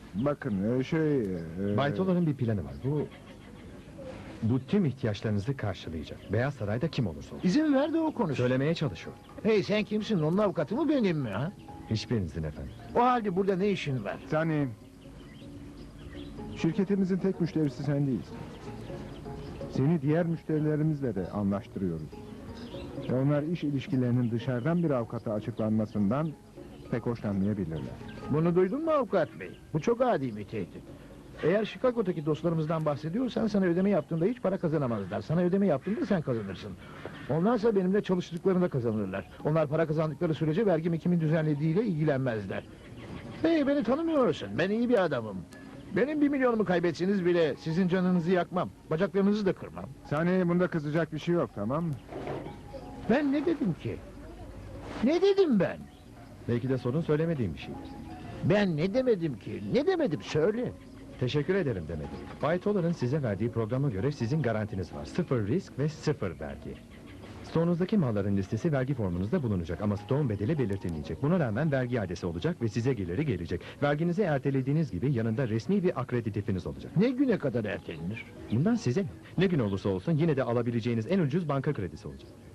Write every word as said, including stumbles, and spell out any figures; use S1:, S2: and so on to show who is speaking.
S1: Bakın e, şey... e,
S2: Bay Toller'ın bir planı var. Bu... Bu tüm ihtiyaçlarınızı karşılayacak. Beyaz Saray'da kim olursa olsun.
S3: İzin ver de o konuşsun.
S2: Söylemeye çalışıyor.
S3: Hey, sen kimsin? Onun avukatı mı benim mi ha?
S2: Hiçbirinizin efendim.
S3: O halde burada ne işin var?
S1: Sani... Şirketimizin tek müşterisi sen değilsin. Seni diğer müşterilerimizle de anlaştırıyoruz. Ve onlar iş ilişkilerinin dışarıdan bir avukata açıklanmasından pek hoşlanmayabilirler.
S3: Bunu duydun mu avukat bey? Bu çok adi bir tehdit. Eğer Chicago'daki dostlarımızdan bahsediyorsan sana ödeme yaptığında hiç para kazanamazlar. Sana ödeme yaptığında sen kazanırsın. Onlarsa benimle çalıştıklarında kazanırlar. Onlar para kazandıkları sürece vergimi kimin düzenlediğiyle ilgilenmezler. Hey, beni tanımıyorsun. Ben iyi bir adamım. Benim bir milyonumu kaybetseniz bile sizin canınızı yakmam. Bacaklarınızı da kırmam.
S1: Sani, bunda kızacak bir şey yok, tamam mı?
S3: Ben ne dedim ki? Ne dedim ben?
S2: Belki de sorun söylemediğim bir şeydir.
S3: Ben ne demedim ki? Ne demedim söyle.
S2: Teşekkür ederim demedim. Bay Toller'ın size verdiği programa göre sizin garantiniz var. Sıfır risk ve sıfır vergi. Stoğunuzdaki malların listesi vergi formunuzda bulunacak ama stoğun bedeli belirtilmeyecek. Buna rağmen vergi iadesi olacak ve size geliri gelecek. Verginizi ertelediğiniz gibi yanında resmi bir akreditifiniz olacak.
S3: Ne güne kadar ertelenir?
S2: Bundan size ne? Ne gün olursa olsun yine de alabileceğiniz en ucuz banka kredisi olacak.